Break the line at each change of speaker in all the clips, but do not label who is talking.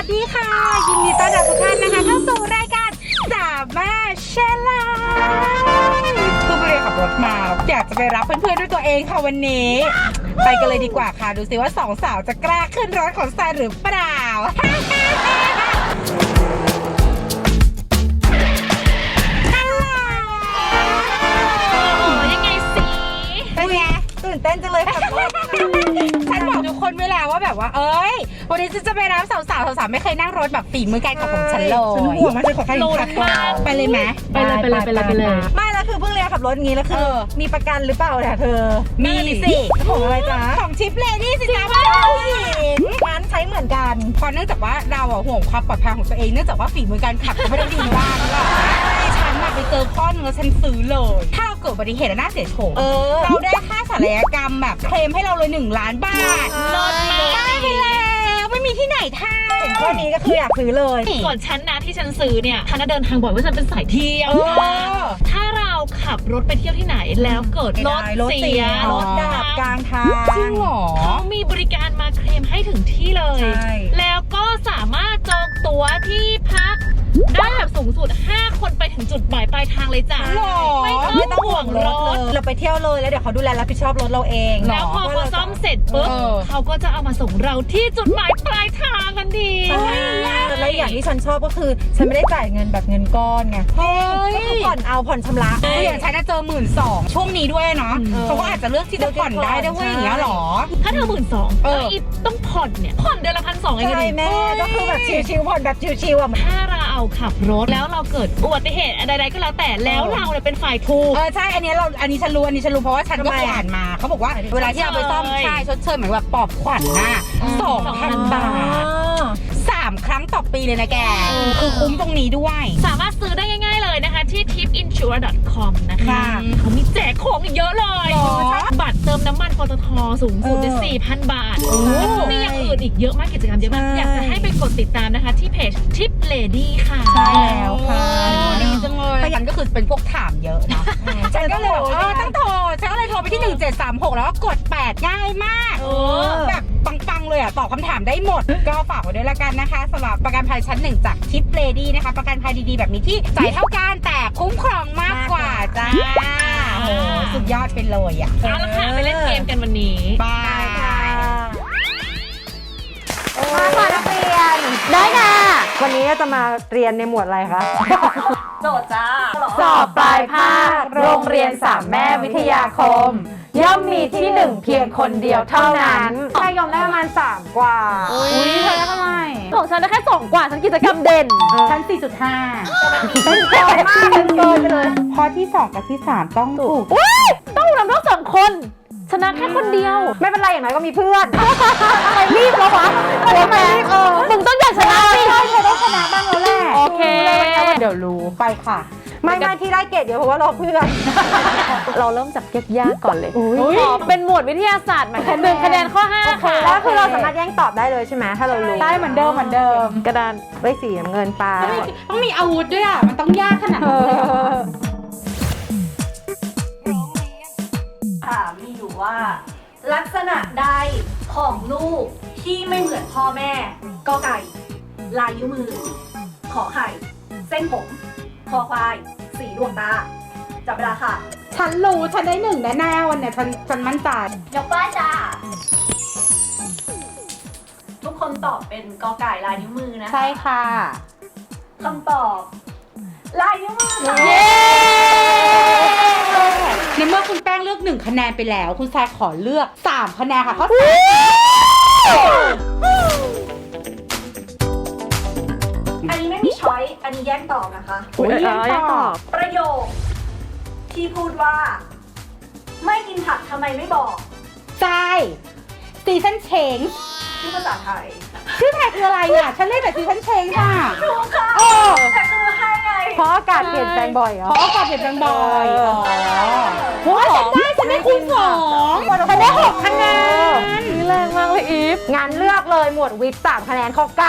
ดีค่ะยินดีต้อนรับทุกท่านนะคะเข้าสู่รายการสามารถแชร์ไลฟ์คือไปเรียนขับรถมาอยากจะไปรับเพื่อนๆด้วยตัวเองค่ะวันนี้ไปกันเลยดีกว่าค่ะดูสิว่าสองสาวจะกล้าขึ้นรถของทรายหรือเปล่า
ยังไงสิ
เป็นไงตื่นเต้นจังเลยค่ะฉันบอกทุกคนเวลาว่าแบบว่าเอ้ยวันนี้ฉันจะไปรับสาวๆไม่เคยนั่งรถแบบฝีมือการขับของฉันเลยฉันห่วงมากฉันขอใครขับไปเลยไหม
ไปเลย
ไม่แล้วคือเพิ่งเรียนขับรถงี้แล้วคือมีประกันหรือเปล่าเนี่ยเธอ
มีสิ
ของอะไรจ๊ะ
ของชิปเลดี้สิจ๊ะผู้หญิง
ร้านใช้เหมือนกัน
เพราะเนื่องจากว่าเราห่วงความปลอดภัยของตัวเองเนื่องจากว่าฝีมือการขับก็ไม่ได้ดีมากหรอกฉันไปเจอข้อนึงแล้วฉันซื้อเลยถ้าเราเกิดอุบัติเหตุแล้วน่าเสียโฉมเราได้ค่าศัลยกรรมแบบเคลมให้เราเลย1 ล้านบาท
ลดมา
ได้ไปแล้วไม่มีที่ไหนทำ
เห็นข้อนี้ก็คืออยากซื้อเลย
ส่วนฉันนะที่ฉันซื้อเนี่ยฉันเดินทางบ่อยว่าฉันเป็นสายเที่ยวถ้าเราขับรถไปเที่ยวที่ไหนแล้วเกิดรถเสีย
รถดับกลางทาง
จริงหรอ
เขามีบริการมาเคลมให้ถึงที่เลยแล้วก็สามารถจองตั๋วที่พักได้แบบสูงสุด5 คนไปถึงจุดหมายปลายทางเลยจ้ะ
ไม่ต้องห่วงรถเราไปเที่ยวเลยแล้วเดี๋ยวเขาดูแลรับผิดชอบรถเราเอง
แล้วพอซ่อมเสร็จปุ๊บเขาก็จะเอามาส่งเราที่จุดหมายปลายทางกันดี
และอย่างที่ฉันชอบก็คือฉันไม่ได้จ่ายเงินแบบเงินก้อนไงก็คือผ่อนชำระ
อย่างฉันจะเจอ12,000ช่วงนี้ด้วยเนาะเขาก็อาจจะเลือกที่จะผ่อนได้ด้วยอย่างเงี้ยหรอ
ถ้าเธอ12,000อีฟต้องผ่อนเนี่ยผ่อนเดือนละ1,200เอง
ใช่แม่ก็คือแบบชิวๆผ่อนแบบชิวๆอ่ะ
ถ้าเราขับรถแล้วเราเกิดอุบัติเหตุใดๆก็แล้วแต่แล้วเราเนี่ยเป็นฝ่ายถูก
ใช่อันนี้ฉันรู้เพราะว่าฉันก็เคยอ่านมาเขาบอกว่าเวลาที่เราไปซ่อมใช่ชดเชยเหมือนแบบปลอบขวัญน่ะ2,000 บาท3 ครั้งต่อปีเลยนะแกคือคุ้มตรงนี้ด้วย
สามารถซื้อได้ง่ายๆเลยนะคะที่ tipinsure.com นะคะเขามีแจกของอีกเยอะเลยบัตรเติมน้ำมันปตทสูงสุดได้ 4,000 บาทแล้วก็มีอย่างอื่นอีกเยอะมากกิจกรรมเยอะมากอยากจะให้ไปกดติดตามนะคะที่เพจ Tip Lady ค่ะ
ใช่แล้วค่ะดีจังเลยฉันก็คือเป็นพวกถามเยอะนะฉันก็เลยต้องโทรฉันก็เลยโทรไปที่1736แล้วก็กด8ง่ายมากแบบปังๆเลยตอบคำถามได้หมดก็ฝากไว้ด้วยละกันนะคะสำหรับประกันภัยชั้น1จาก Tip Lady นะคะประกันภัยดีๆแบบนี้ที่จ่ายเท่ากันแต่คุ้มครองมากกว่าจ้าโอ้สุดยอดไปเลย
เอาละค่ะไปเล่นเกมกันวันนี้
บายค่ะ
มาค่ะนักเรียนได้ค่ะวันนี้จะมาเรียนในหมวดอะไรคะ
โจทย์จ้า
สอบปลายภาคโรงเรียน3 แม่วิทยาคมย่อมมีที่1เพียงคนเดียวเท่านั้นใครยอมได้ประมาณ3กว่า
อุ้ยเธอได้เท่าไหร่
ของฉันได้แค่2กว่าฉันกิจกรรมเด่น
ฉัน 4.5
เป็นเกินมากเป็นเกินไปเลย
ข้อที่2กับที่3ต้องถูก
ต้องนำทั้ง2คนชนะแค่คนเดียวไม่เป็นไรอย่างไรก็มีเพื่อนใครรีบแล้ววะทำไมมึงต้องอยากชนะสิ
ใช่เธอต้องชนะบ้างแล้วแหละ
โอเค
เดี๋ยวรู้ไปค่ะ
ไม่ที่ได้เกรดเดี๋ยวเพราะว่ารอเพื่อนเราเริ่มจากยากๆก่อนเลยขอเป็นหมวดวิทยาศาสตร์หมายถึง1 คะแนนข้อ5ค่ะแล้วคือเราสามารถแย่งตอบได้เลยใช่ไหมถ้าเรารู้
ได้เหมือนเดิม
กระดานใบสีน้ำเงินปลา
ต้องมีอาวุธด้วยมันต้องยากขนาดนี้
มีอยู่ว่าลักษณะใดของลูกที่ไม่เหมือนพ่อแม่กอไก่ลายนิ้วมือขอไข่เส้นผมคอควายสีดวงตาจับเวลาค่ะ
ฉันรู้ฉันได้1แน่ๆวันเนี่ยฉันมั่นใจ
ยกป้ายจ้าทุกคนตอบเป็นกอไก่ลายนิ้วมือนะคะ
ใช่ค่ะ
คำตอบลายนิ้วมือค่ะ
ในเมื่อคุณแป้งเลือก1คะแนนไปแล้วคุณทรายขอเลือก3คะแนนค่ะข้อ
อันนี้ไม่มีช้อยอันนี้แยกตอบนะคะ
แยกตอบ
ประโยคที่พูดว่าไม่กินผักทำไมไม่บอก
ทรายซีซันเชง
ชื่อภาษาไทย
ชื่อไทยคืออะไรฉันเล่นแต่ซีซันเชงค่ะ
ถูกค่ะแต่คือให้ไง
เพราะอากาศเปลี่ยนแปลงบ่อย
เพราะอากาศเปลี่ยนแปลงบ่อยเพราะฉันได้คูณ2ฉันได้6คะแนน
แรงมากเลยอีฟงั้นเลือกเลยหมวดวิทย์3คะแนนข้อ9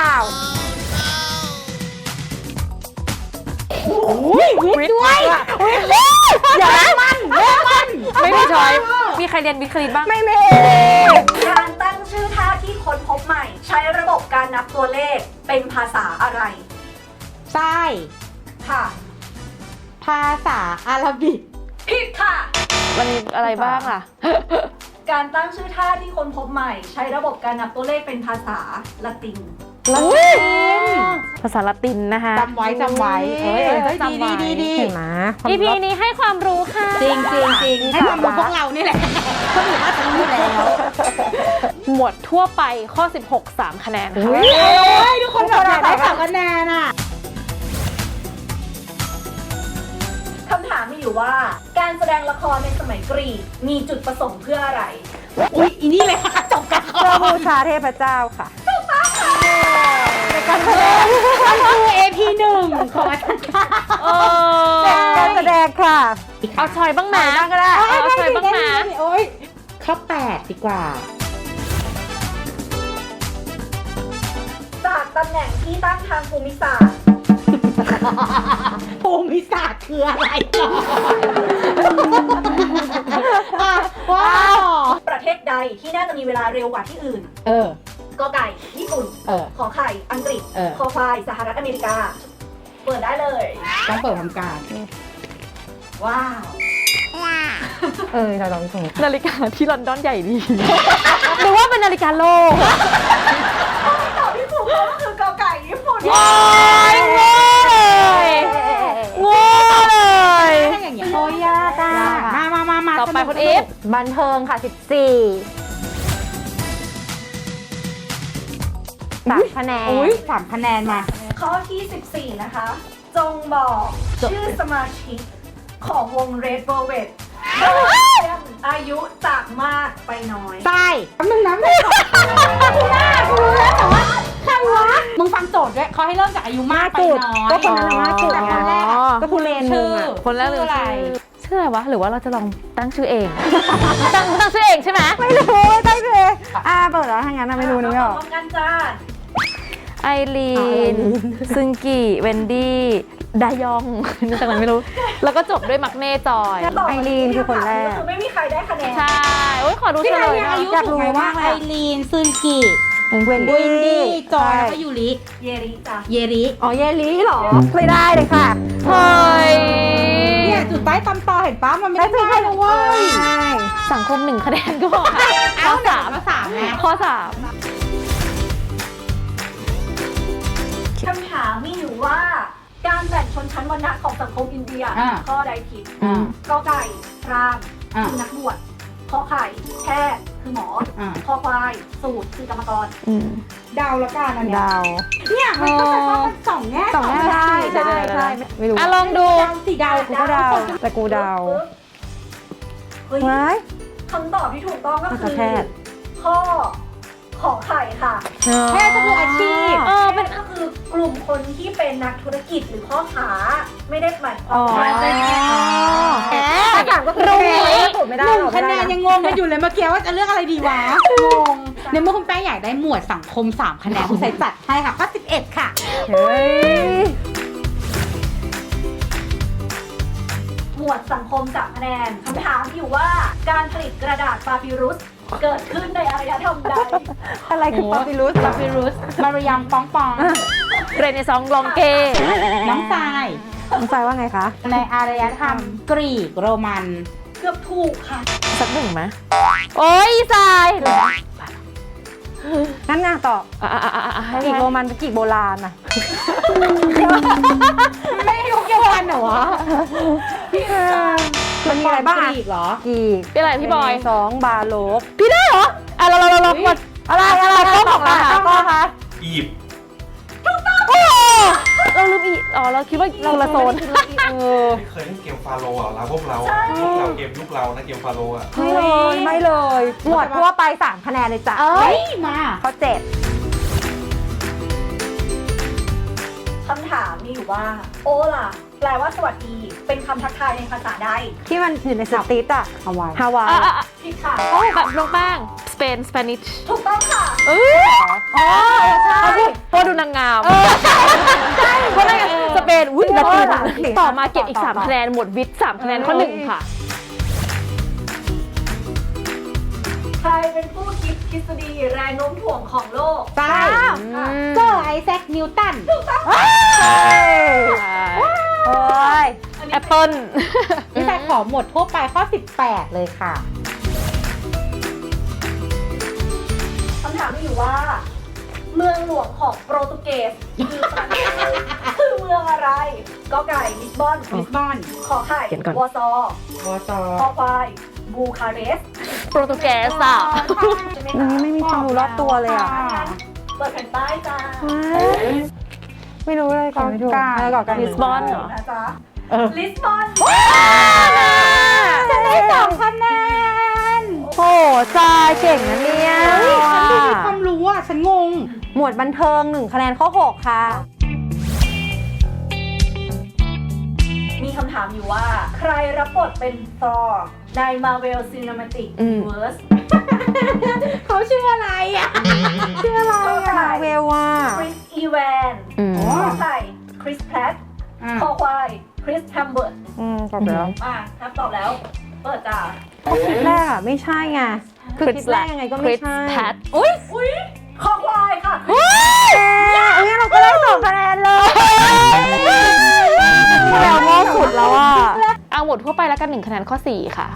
วิทย์ด้วย
อย่าเล่นมันไม่มีช้อยมีใครเรียนวิทย์คณิตบ้าง
ไม่มี
การตั้งชื่อท่าที่ค้นพบใหม่ ใช้ระบบการนับตัวเลขเป็นภาษาอะไร
ใช่
ค่ะ
ภาษาอาหรับิก
ผิดค่ะ
มันมีอะไรบ้างล่ะ
การตั้งชื่อท่าที่ค้นพบใหม่ ใช้ระบบการนับตัวเลขเป็นภาษาละติน
ภาษาละตินนะคะ
จำไว้เฮ้ยดี
เห็นไหม EP นี้ให้ความรู้ค่ะ
จริงให้ความรู้พวกเรานี่แหละก็ถือว่าจะรู้แล้ว
หมวดทั่วไปข้อ 16 3 คะแนนค่ะ
ทุกคนแบบอยากได้3 คะแนนอ่ะ
คำถามมีอยู่ว่า การแสดงละครในสมัยกรีกมีจุดประสงค์เพื่ออะไร
อุ๊ยอีนี่เลยค่ะจบกัน
เพื่อบูชาเทพเจ้าค่ะ
การแสดงมันคือ AP 1ของอาจารย์ค่ะ
การแสดงค่ะ เอาชอยบ้างนะก็ได้เอาชอยบ้างนะ
โอ้ยข้อ8ดีกว่า
จากตำแหน่งที่ตั้งทางภูมิศาสตร์
ภูมิศาสตร์คืออะไรก่อนว้าว
ประเทศใดที่น่าจะมีเวลาเร็วกว่าที่อื่น กอไก่ญี่ปุ่น ขอไข่อังกฤษ คอควายสหรัฐอเมริกา เปิดได้เลย
ต้องเปิดทำการ
ว้าว
เราลองส่งนาฬิกาที่ลอนดอนใหญ่ดี หรือว่าเป็นนาฬิกาโลก
ตอบที่ถูกต้องก็คือกอไก่ญี่ปุ่น
โอ้ยโง่เลยโง่เลย
ถ้าอย่างเงี้ยโอ้ยยากอ่ะมา
ต่อไปคุณเอฟบันเทิงค่ะ 14 3 คะแนน
อุ้ย3 คะแนนมา
ข้อที่ 14 นะคะ จงบอกชื่อสมาชิกของวง Red Velvet อายุจากมากไปน้อย
ใช่แป๊บนึงนะไม่รู้แล้วแต่ว่าใครวะ มึงฟังโจทย์ด้วยเขาให้เริ่มจากอายุมากไปน้อย
ก็คนนั้นน่ะมากสุด
แต่คนแรกอะ
ก็คุณเลนมึงอะคนแรกเลย
ชื่ออะไร
ชื่ออะไรวะ หรือว่าเราจะลองตั้งชื่อเอง ตั้งชื่อเองใช่ไหมไม่รู้ตั้งชื่อเองเปิดแล้วถ้างั้นไม่รู้นึกไม่ออก
พร้อมกันจ้า
ไอรีน ซึงกิเวนดี้ดายองนึกจากนั้นไม่รู้ แล้วก็จบด้วยมักเน่จอย
ไอรีนคือคนแรกคือไม่มีใครได้คะแนน
ใช่โอ้ยขอดูเฉลยหน่อย
อยากรู้ว่าไอรีนซึนกิเวนดี้จอยแล้วก็ยูริ
เยริจ้ะ
เยริ
อ๋อเยลีเหรอ ไม่ได้เลยค่ะเฮ้ย
เนี่ยจุดใต้ตำตอเห็นป้ามันไม่ได้ง่ายนะเว้ย
สังคม1 คะแนนก็พอค่ะข้อ
3ไง
ข้อ
คำถามมีอยู่ว่า การแบ่งชนชั้นวรรณะของสังคมอินเดียข้อใดผิด กอไก่พราหมณ์คือนักบวชขอไข่แพทย์คือหมอคอควายสูตรคือกรรมกร
เดาละกันอันเนี้ย
ดาว
เนี่ยมันก็จะว่ามัน2 แง่
ใช่ไม่รู้ลองดู
สีดาว
กูก็ดาวแต่กูดาว
เฮ้ย
ไว้
คำตอบที่ถูกต้องก็คือ
แพทย์
ข้อขอไข่ค่ะ
แพทย์ก็คืออาชีพ
เป็นก็คือกลุ่มคนที่เป็นนักธุรกิจหรือพ่อค้าไม่ได้หมายความ
อ๋อ
ว่าเป็น
ถ้าถามก็คือถูกไม่ได้
1 คะแนนยังงงกันอยู่เลยเมื่อกี้ว่าจะเลือกอะไรดีวะ งงในเมื่อคุณแป้งอยากได้หมวดสังคม3 คะแนนคุณใส่จัดให้ค่ะข้อ11 ค่ะ
เฮ้ย
หมวดสังคม3 คะแนนคำถามอยู่ว่าการผลิตกระดาษปาปิรุสเกิดขึ้นในอารยธรรมใด
อะไรคือปาปิรุส
มารยามปองปอง
เรเนซองส์ลองเก
น้องทราย
น้องทรายว่าไงคะ
ในอารยธรรมกรีกโรมัน
เกือบถูกค่ะ
สักหนึ่งไหมโอ้ยทรายงั้นงานต่อกีกโรมันกีกโบราณอะ
ไม่ยุคเดียวกันเหรอวะ
มันมีอะไรบ้าง
กรีกเหรอ
กีกเป็นอะไรพี่บอย2 บาโลบพี่ได้เหรอเราหมดอะไรกล้องของเรากล้องคะ
อียิปต์
โอ้เราลืมอีเราคิดว่าเราละโซน
ไม่เคยเล่นเกมฟาโรห์อ่ะเราพวกเรายุคเราเกมยุคเรานะเกมฟาโรห์อ่ะ
ไม่เลย หมวดทั่วไป3 คะแนนเลยจ้ะ
เอ้ยมา
ข้อ 7
คำถามมีอยู่ว่า โอล่ะ แปลว่าสวัสดี เป็นคำทักทายในภาษาใด
ที่มันอยู่ในสตรีทอะฮาวาย
ผิดค่ะ
แบบน้องแป้งสเปนสเปนิช
ถูกต้องค่ะ
ใช่เพราะดูนางงามใช่เพราะนางงามสเปนอุ้ยละตินต่อมาเก็บอีก3 คะแนนหมวดวิทย์3 คะแนนข้อ 1 ค่ะ
ใครเป็นผู้คิดทฤษฎีแรงโน้มถ่วงของโลก
ใช่เจอไอแซคนิวตัน
โอ้ยแอปเปิ้ล
นี่แต่ขอหมวดทั่วไปข้อ 18 เลยค่ะ
คำถามมีอยู่ว่า เมืองหลวงของโปรตุเกสคือเมืองอะไรกอไก่ลิสบอน
ลิสบอน
ขอไข่
เขียนก่อน
วอร์ซอ
วอซอ
คอควายบูคาเรสต์
โปรตุเกสอ่ะ
ใช่ไหม
อัน
คะ
นี้ไม่มีความรู้รอบตัวเลยอ่ะ
เปิดแผ่นป้ายจ้า
ไม่รู้เลยก่อนไม่ถูกลิสบอนเหรอ
นะจ๊ะลิสบอน
จะได้2 คะแนน
โอ้จาเก่งนะเนี่ย
เฮ้ยฉันดูมีความรู้อ่ะ ฉันงง
หมวดบันเทิง1 คะแนนข้อ 6 ค่ะ
มีคำถามอยู่ว่า ใครรับบทเป็นทอร์ใน Marvel Cinematic
อืม
Universe
เขาชื่ออะไรอ่ะ
ชื่ออะไร
ขอ
อ่ะ
ไข่
เวลว่า
คริสอีแวน
ม
ขอไข่คริสแพลตคอควายคริสแฮมเบิร์ต
ตอบแล้ว
มาถ้าตอบแล้ว เปิดจ้า
คลิปแรกอ่ะไม่ใช่ไงคือคลิปแรกยังไงก็ไม่ใช่
อุ้ยคอควายค่ะ
อุ้ยเราก็ได้2 คะแนนเลยเราโง่สุดแล้วอ่ะเอาหมดทั่วไปแล้วกัน1 คะแนนข้อ 4 ค่ะ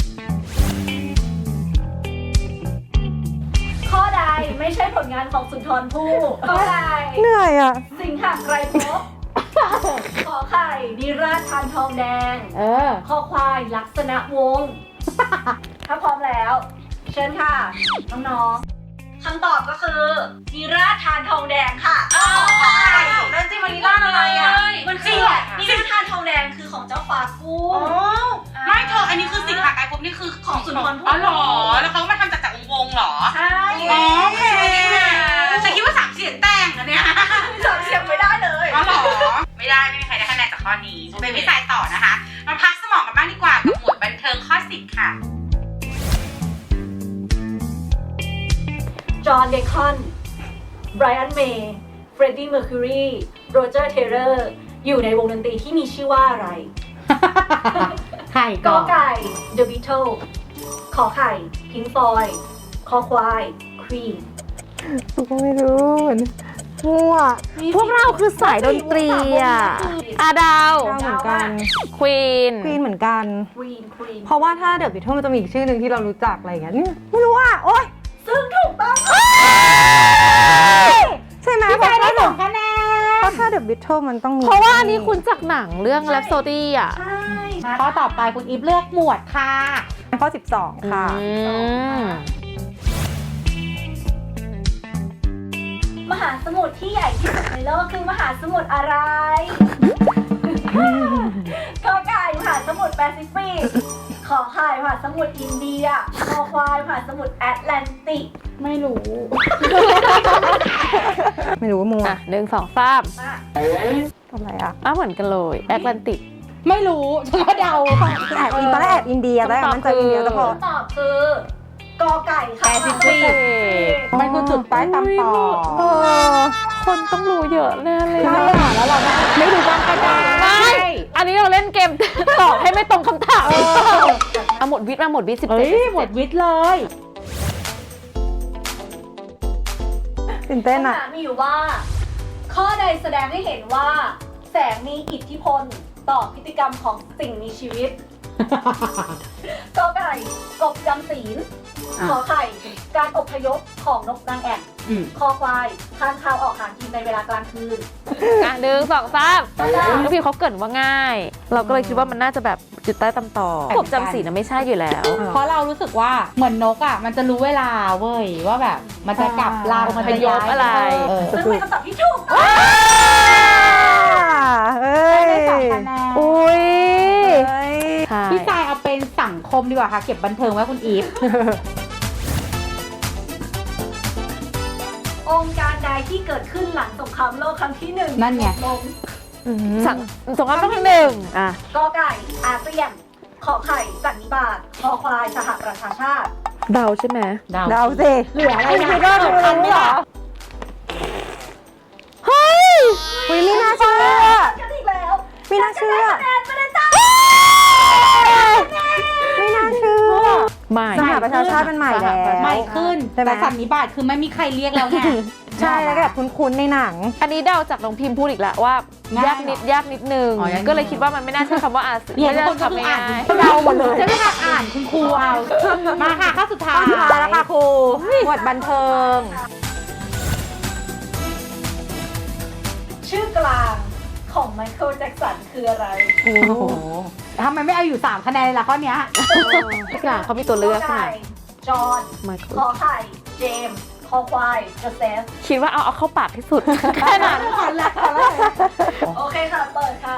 ข้อใดไม่ใช่ผลงานของสุนทรภู่ขอไข่
เหนื่อยอ่ะ
สิงหไกรภพขอไข่นิราชทานทองแดง คอควายลักษณะวงศ์ ถ้าพร้อมแล้ว เชิญค่ะ น้องๆคำตอบก็คือนิราชทานทองแดงค่ะแล้วจริงมันนิราชอะไรอ่ะ มันคือนิราชทานทองแดงคือของเจ้าฟ้ากุ้ง
ไม่เธออันนี้คือสิ่งหาไกลพบนี่คือ
ของสุนทรภู่
อ๋อเหรอ แล้วเขามาทำจากวงเหรอ
ใช่
อ๋อโอเคฉันคิดว่า3 เสียงแต่งอันเนี้ย
จำเสียงไม่ได้เลย
อ๋อเหรอ ไม่ได้ไม่มีใครได้คะแนนจากข้อนี้เป็นพี่สายต่อนะคะ มาพักสมองกันบ้างดีกว่ากับหมวดบันเทิงข้อ 10 ค่ะ
จอห์นเบคอนไบรอันเมย์เฟรดดี้เมอร์คิวรีโรเจอร์เทเลอร์อยู่ในวงดนตรีที่มีชื่อว่าอะไร
ไข่
กอไก่ The Beatles ขอไข่ Pink Floyd คอควาย Queen
กูก็ไม่รู้เหมือนมั่วพวกเราคือสายดนตรีอ่ะอาดาวเหมือนกันควีนเหมือนกัน
Queen
เพราะว่าถ้าเดอะบิทเทิลมันจะมีอีกชื่อหนึ่งที่เรารู้จักอะไรอย่างเงี้ยไม่รู้อ่ะโอ๊ย
ซึ่งถูกต้อง
ใช่ไหม
พี่สายได้2 คะแนน
เพราะถ้าเดอะบิทเทิลมันต้องมีเพราะว่าอันนี้คุณจากหนังเรื่องแรปโซดี้อ่ะ
ใช่
ข้อต่อไปคุณอีฟเลือกหมวดค่ะ
ข้อ 12 ค่ะ
มหาสมุทรที่ใหญ่ที่สุดในโลกคือมหาสมุทรอะไร กอไก่มหาสมุทรแปซิฟิก ขอไข่มหาสมุทรอินเดีย คอควายมหาสมุทรแอตแลนติก
ไม่รู้
ไม่รู้ว่ามัว1 2 3
มา
ทำอะไรอ่ะเหมือนกันเลยแอตแลนติก
ไม่รู้ฉันก็เดา
แอบตอนแรกแอบอินเดียตอนแรกมันจะอินเดียแต่พอ
คำตอบคือกอไก่ค่ะ
แปซิฟิก มันคือจุดป้ายตามต่อ
คนต้องรู้เยอะแน่เลย
ใช่ค่ะแล้วเราไม่รู้บ้างก็ได้
อันนี้เราเล่นเกมตอบให้ไม่ตรงคำถามเอาหมดวิทย์มาหมดวิทย์17
เฮ้ยหมดวิทย์เลย
ตื่นเต้น
คำ
อ่ะ
ถามมีอยู่ว่า ข้อใดแสดงให้เห็นว่า แสงมีอิทธิพลต่อพฤติกรรมของสิ่งมีชีวิต กอไก่กบจำศีล ขอไข่การอพยพของนกนางแอ่น คอควายค้างคาวออกหากินในเวลากลางคืน
1 2 3แล้วพี่เขาเกรินว่าง่าย เราก็เลยคิดว่ามันน่าจะแบบจุดใต้ตำต่อกบจำศีลนะไม่ใช่อยู่แล้ว
เพราะเรารู้สึกว่าเหมือนนกอ่ะมันจะรู้เวลาเว้ยว่าแบบมันจะกลับรังมันจะย้าย
อะไร
ซึ่งเป็นคำตอบที่ถูก
ได้2 คะแนน
อุ้ย
พี่สายเอาเป็นสังคมดีกว่าค่ะ เก็บบันเทิงไว้คุณอีฟ
องค์การใดที่เกิดขึ้นหลังสงครามโลกครั้งที่ 1
นั่นไง
ลง
สงครามโลกครั้งหนึ่งอ่ะ
กอไก่อาเซียน ขอไข่สันนิบาตคอควายสหประชาชาติ
เดาใช่ไหม
เดาสิเหลืออะไรนะก็เหลือทันไหมล่ะ
เฮ้ยไม่น่าเชื่อ
กันอีกแล้ว
ไม่น่าเชื่อ
คะแนนไปเลยจ้า
ไม่น่าเชื่อไม่สหประชาชาติมันใหม่แล้ว
ใหม่ขึ้น
ใช่ไหม
แต่สันนิบาตคือไม่มีใครเรียกแล้วไง
ใช่แล้วก็แบบคุ้นๆในหนัง
อันนี้เดาจากน้องพิมพ์พูดอีกแล้วว่า
ง่าย
ยากนิดนึง
อ๋อยากนิดนึง
ก็เลยคิดว่ามันไม่น่าใช่คำว่าอาสือ
เนี่ย
ไม่
ทุก
ใช่
คนก็
คำ
คืออ่าน
ง่าย
เดาหมดเลย
จะไม่หัดอ่านคุณครูเอา มาค่ะข้อสุดท้าย
สุดท้ายแล้วค่ะครูหมวดบันเทิง
ชื่อกลางของไมเคิลแจ็คสันคืออะไร
โอ้โหทำไมไม่เอาอยู่ 3 คะแนนล่ะข้อเนี้ย
ทุกอย่างเขามีตัวเลือก
ขอ
ใช่ไหม
ไก่จอห์น
ไมเคิล
ขอไข่ เจมส์คอควายโจเซฟ
คิดว่าเอาเข้าปากที่สุด แค่นั้น
โอเคค่ะ เปิดค่ะ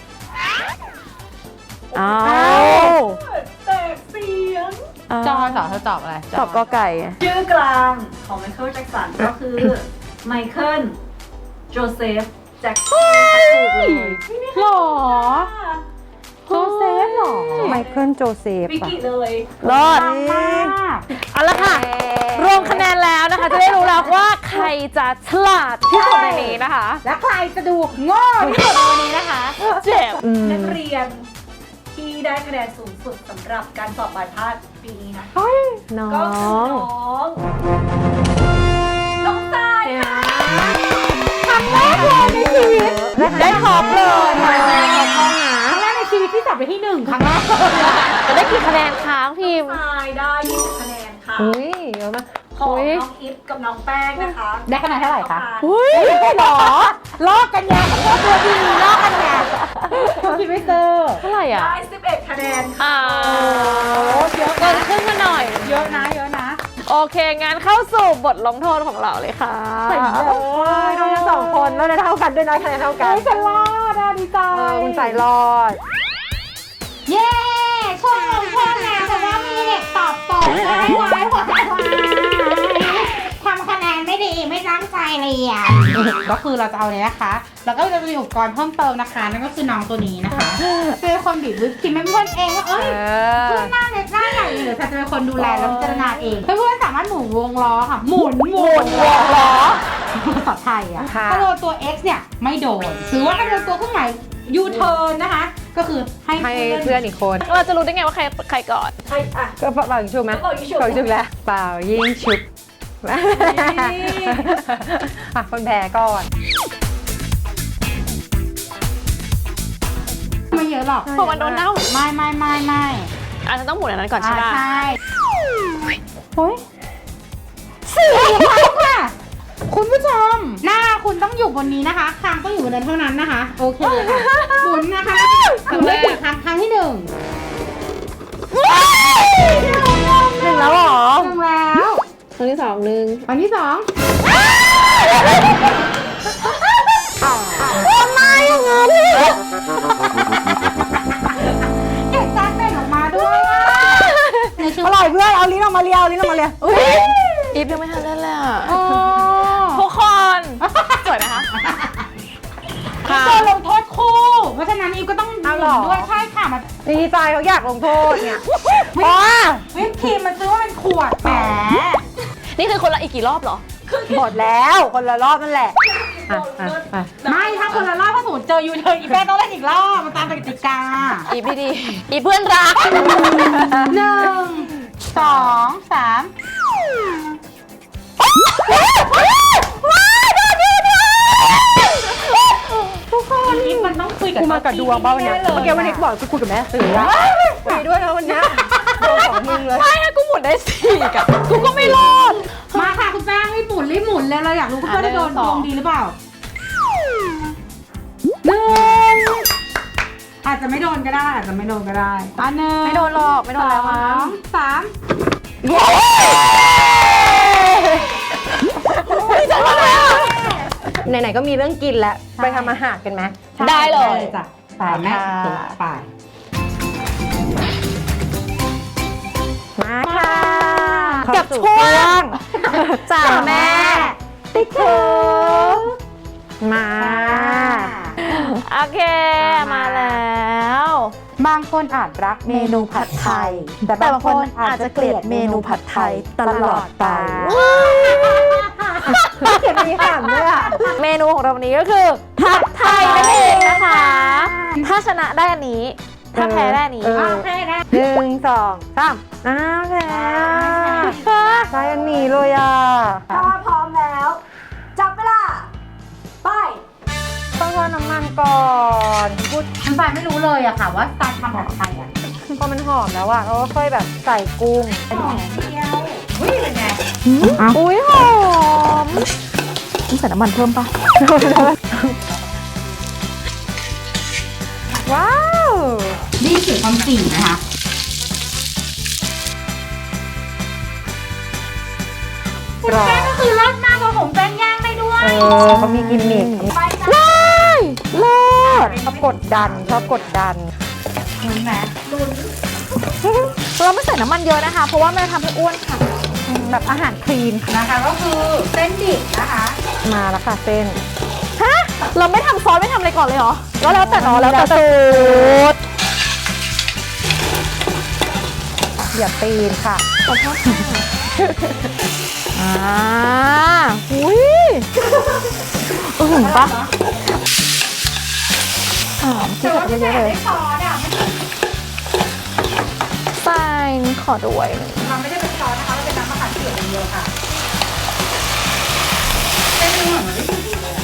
อ้า
แตกเสียง
จอสอเธอตอบอะไร
ตอบกอไก่
ชื่อกลางของไมเคิลแจ็คสันก็คือไมเคิลโจเซฟแจ็คสัน
หรอโจเซฟหรอ
ไมเคิลโจเซฟ
วิกิเลย
รอด
ดังมาก
เอาละค่ะ รวมคะแนนแล้วนะคะ จะได้รู้แล้วว่าใครจะฉลาดที่สุดในนี้นะคะ
แล้วใครจะดูโง่ที่สุดในวันนี้นะคะ
เจ็บ
นักเรียนที่ได้คะแนนสูงสุดสำหรับการสอบปลายภาคปีนี้นะ
น้อ
ก็คือง น้องทรายค่ะ
ได้ท็อปเลย
ครั้งแรกในชีวิตที่จับไปที่ 1 ครั้งแรก
จะได้กี่คะแนนค้างพิมพ์
ทรายได้20คะแนนค่ะ
อุ้ยเยอะมาก
ของ
อุ๊ย
น้องอิฟกับน้องแป้งนะคะ
ได้คะแนนเท่าไหร่คะ
อุ้ย
หรอลอกกันยาตัวดีลอกกันยาคิดไม่เจอ
เท่าไหร่อ่ะ
ได้11คะแนนค่ะ
อ่าเกินครึ่งมาหน่อย
เยอะนะเยอะนะ
โอเค งั้นเข้าสู่บทลงโทษของเราเลยค่ะ
โดนทั้งสองคนแล้วได้เท่ากันด้วยนะคะแนนเท่ากัน
ฉันรอดอ่ะดีใจ
คุณสายรอด
เย้ช่วงลงโทษแล้วแต่ว่ามีเด็กตอบตกได้ไว้หัวใจวายทำคะแนนไม่ดีไม่ตั้งใจเรียนก็คือเราจะเอาเลยนะคะ แล้วก็จะมีอุปกรณ์เพิ่มเติมนะคะ นั่นก็คือน้องตัวนี้นะคะเป็นคนบีบวิปครีมให้เพื่อนเองว่าเอ้ยเพื่อนหน้าเล็กหน้าใหญ่หรือจะเป็นคนดูแลแล้วพิจารณาเองเพื่อนๆสามารถหมุนวงล้อค่ะหมุนวงล้อภาษาไทยอ่ะ
ค่ะ
ถ้าโดนตัว X เนี่ยไม่โดนหรือว่าถ้าโดนตัวเครื่องหมายยูเทิร์นนะคะ ก็คือให้
ให้เพื่อนอีกคน
เราจะรู้ได้ไงว่าใครก่อน
ใช่อ่ะ
ก็เป่ายิงชุบไหม
เป่ายิงฉุบ
เป่ายิงชุบแล้วเป่ายิงชุบอ่ะคนแพ้ก่อน
ไม่เยอะหรอก
เพราะมันโดนเน่า
ไม่
อาจจะต้องหมุนอันนั้นก่อนใช่ไหม
ใช่โอ้ย4 ครั้งค่ะ คุณผู้ชม หน้าคุณต้องอยู่บนนี้นะคะคางต้องอยู่บนนั้นเท่านั้นนะคะ โอเคค่ะหมุนนะคะทำได้กี่ครั้งครั้งที่ 1
หนึ่งแล้วเหรอ
1แล้ว
ครั้งที่สองหนึ่ง
ครั้งที่ 2
ทำไมอย่างนั้น
เก็บจานเป็นออกมาด้วยอะในช่ว
องร่อยเพื่อนเอาลิ้นออกมาเลียวลิ้นออกมาเลียว
อีฟยังไม่ทันเล่นเลยอ่ะ
โอ้
ทุกคนสวยไหมคะ
ตัวลงโทษคู่ เพราะฉะนั้นอีฟก็ต้องหมุนด้วยใช่ค่ะมัน
ดีใจเขาอยากลงโทษเนี่ยพอ
วิปครีมมันซื้อว่าเป็นขวดแหม
นี่คือคนละอีกกี่รอบเหรอ
หมดแล้วคนละรอบนั่นแหละอ่ะอ่ะอ่ะ
ไม่ถ้าคนละรอบถ้าสมมติเจอยูเทิร์นอีแป้งต้องเล่นอีกรอบมันตามกติกา
อีฟดีๆอีเพื่อนรัก
1 2 3ทุกคนอีฟมันต้องคุยกับ
กูมากับดวงเปล่าวันเนี้ยเมื่อกี้วันนี้กูบอกกูคุยกับแม่สื่ออะคุยด้วยนะวันเนี้ยดวงของมึงเลย
ไม่อะกูหมุนได้สี่กับกูก็ไม่รอด
มาค่ะคุณแป้งรีบหมุนเลยเราอยากรู้คุณเพื่อนได้โดนดวงดีหรือเปล่า1อาจจะไม่โดนก็ได้อาจจะไม่โดนก็ได้อันหนึ่ง
ไม่โดนหรอกไม่โดนแล้วมั้ง
2 3
ไหนๆก็มีเรื่องกินแล้วไปทำอาหารกันไหม
ได้เลย
จ้ะไปแม่ไป
มาค่ะ
กับช่วง
จ่าแม่ติ๊กถูมา
โอเคมาแล้ว
บางคนอาจรักเมนูผัดไทย แต่บางคนอาจจะเกลียดเมนูผัดไทยตลอดไป
เก็บมีขำด้วยอ่ะ
เมนูของเราวันนี้ก็คือผัดไทยนั่นเองนะคะ ถ้าชนะได้อันนี้ถ้าแพ้ได้นี้
โอเคนะ1 2 3แพ้ใช่อันนี้เลยอ่ะ
ถ้าพร้อมแล้ว จับเวลา ไป
ต้องทอดน้ำมันก่อนพูด
น้ำปลาไม่รู้เลยอะค่ะว่าการทำแบบไทยอะ
พอมันหอมแล้วอ่ะเราก็ค่อยแบบใส่กุ้ง
อุ้ยเป็นไง
อุ้ยหอมต้องใส่น้ำมันเพิ่มปะ
ว้าว
นี่คือความจริงนะคะ
กรอบ
แป้งก็คือรสมากกว่าผมแป้งย่างได้ด้วย
เขามีกิมมิค
ไปจ้ะ
เลิศชอบกดดัน
ลุ้นไหม
เราไม่ใส่น้ำมันเยอะนะคะ เพราะว่ามันจะทำให้อ้วนค่ะ
แบบอาหารคลีน
นะคะก็คือเส้นดิบนะคะ
มาแล้วค่ะเส้น
ฮะ เราไม่ทำซอสไม่ทำอะไรก่อนเลยเหรอ ก็แล้วแต่เนาะแล้วแต่สูตร
อย่าตีนค่ะ
อุ้ยหึงปะ
แต่ว่าพี่แม่ได้ซอสอะ
ใส่ขอด้วย
มันไม่ได้เป็นซอสนะคะมันเป็นน้ำมะขามเปียกอย่างเดียวค่ะเส้นนี้เหมือนมันไม่ดีเลย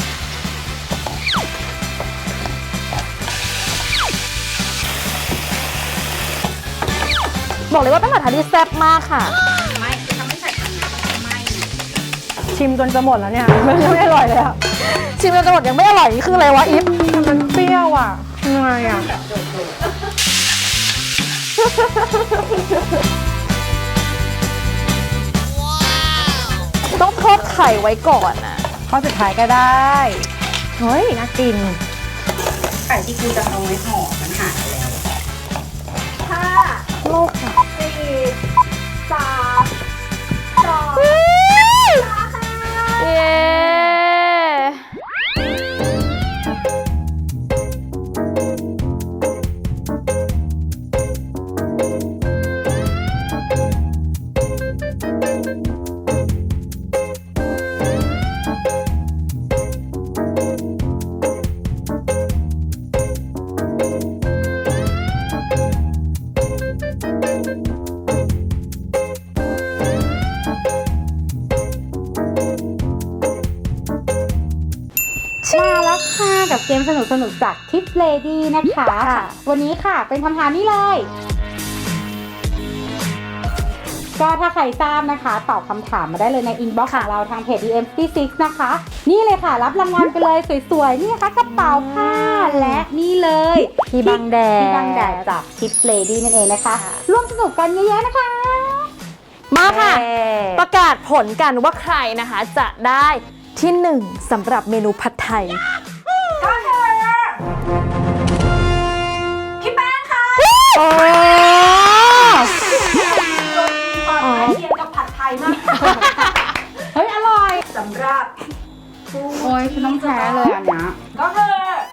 บอกเลยว่าเป็นผัดไทยที่แซ่บมากค่ะ
ไม่คือถ้าไม่ใส่อันนี้มันไม่
ชิมจนจะหมดแล้วเนี่ยมันยังไม่อร่อยเลยอ่ะ
ชิมจนจะหมดยังไม่อร่อยนี่คืออะไรวะอีฟ
มันเปรี้ยวอ่ะยังไงอ่ะ
ต้องทอดไข่ไว้ก่อนนะ
ข้อสุดท้ายก็ได้ เฮ้ยน่ากิน
ไก่ที่กูจะเอาไว้ห่อมันหายไปแล้ว
5
โลกค่ะ
4 3 2
เย้
มาแล้วค่ะกับเกมสนุกๆจากทิปเลดี้นะคะ วันนี้ค่ะเป็นคำถามนี้เลย ก็ถ้าใครทราบนะคะตอบคำถามมาได้เลยในอินบ็อกซ์ของเราทางเพจ DM66 นะคะ นี่เลยค่ะรับรางวัลไปเลยสวยๆนี่นะคะกระเป๋าผ้าและนี่เลย
ที่บังแดด
ที่บังแดดจากทิปเลดี้นั่นเองนะคะร่วมสนุกกันเยอะๆนะคะ
มาค่ะ ประกาศผลกันว่าใครนะคะจะได้ที่ 1สำหรับเมนูผัดไทย
ก็คือพี่แป้งค่ะ
โอ้
รสมีความใกล้เคียงกับผัดไทยมาก
เฮ้ยอร่อย
สำหรับผู้
โอ้ยฉันต้องแพ้เลยอันเนี้ย
ก็คือ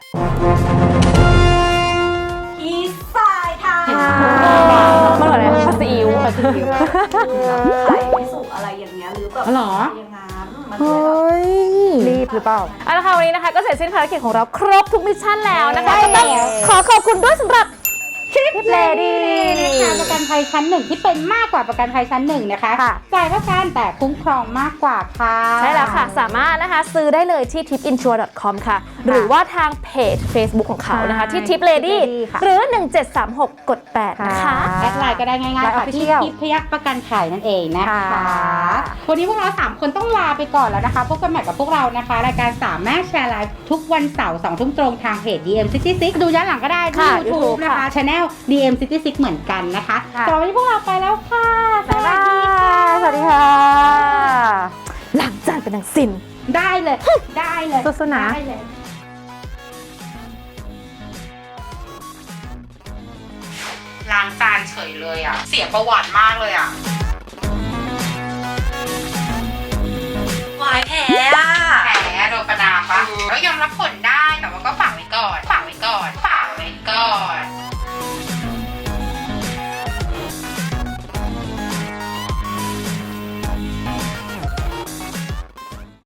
พี่สายค่ะ
มันเหมือนอะไรผัดซีอิ๊ว
ไข่ไม่สุกอะไรอย่างเงี้ยหรือแบบ
หรอ
อย่างงั้นมัน
เฮ
เลยแบบ
้ย
รีบหรือเปล่า
เอาละค่ะวันนี้นะคะก็เสร็จสิ้นภารกิจของเราครบทุกมิชชั่นแล้วนะคะ
ใช่
ก็ต้องขอขอบคุณด้วยสำหรับ
ทิปเลดี้นะคะประกันภัยชั้นหนึ่งที่เป็นมากกว่าประกันภัยชั้นหนึ่งนะคะ
ค่ะ
จ่ายเท่ากันแต่คุ้มครองมากกว่าค่ะ
ใช่แล้วค่ะ สามารถนะคะซื้อได้เลยที่ tipinsure.com ค่ะ หรือว่าทางเพจ Facebook ของเขานะคะ ที่ Tip Lady
ค่ะ
หรือ 1736 กด 8 นะคะ
แอดไลน์ก็ได้ง่ายๆ
ไลน์
ค่ะที่
Official
ทิพยักษ์ประกันภัยนั่นเองนะคะ
ค่ะ
วันนี้พวกเรา3คนต้องลาไปก่อนแล้วนะคะพบกันใหม่กับพวกเรานะคะรายการ3แม่แชร์ไลฟ์ทุกวันเสาร์2 ทุ่มตรงทางเพจ DM66 ดูย้อนหลังก็ได้ที่
ค่ะ
YouTube
YouTube
นะคะ
ค่ะ
Channel DM66 เหมือนกันนะคะ
ค่ะ
สำหรับวันนี้พวกเราไปแล้วค่ะ
บ๊ายบายสวัสดีค่ะ
ล้างจานเป็นนางสิน
ได้เลย ได้เลย
สู้ๆนะ
ได้เลยล้างจานเฉยเลยอ่ะ เสียประวัติมากเลยอ่ะ
วายแพ้อะ